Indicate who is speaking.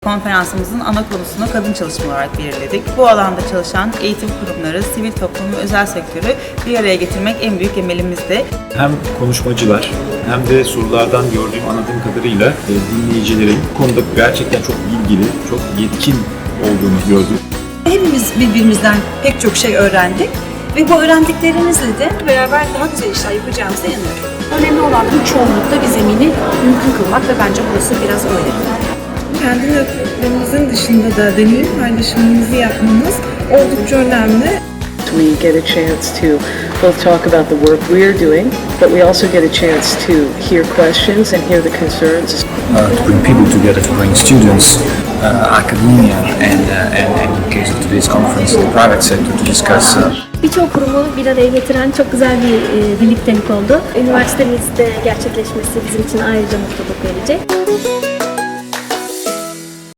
Speaker 1: konferansımızın ana konusunu kadın çalışma olarak belirledik. Bu alanda çalışan eğitim kurumları, sivil toplum ve özel sektörü bir araya getirmek en büyük emelimizdi.
Speaker 2: Hem konuşmacılar hem de sorulardan gördüğüm, anladığım kadarıyla dinleyicilerin bu konuda gerçekten çok bilgili, çok yetkin olduğunu gördüm.
Speaker 3: Hepimiz birbirimizden pek çok şey öğrendik ve bu öğrendiklerimizle de beraber daha güzel işler yapacağımıza inanıyorum.
Speaker 4: Önemli olan bu çoğunlukta bir zemini mümkün kılmak ve bence burası biraz öyle.
Speaker 5: Kendi nötrlerimizin dışında da deneyim paylaşımımızı yapmamız oldukça önemli.
Speaker 6: We get a chance to both talk about the work we're doing, but we also get a chance to hear questions and hear the concerns.
Speaker 7: To bring people together, to bring students, academia, and in the case of today's conference, the private sector to discuss.
Speaker 8: Birçok kurumu bir araya getiren çok güzel bir birliktelik oldu. Üniversitemizde gerçekleşmesi bizim için ayrıca mutluluk verecek.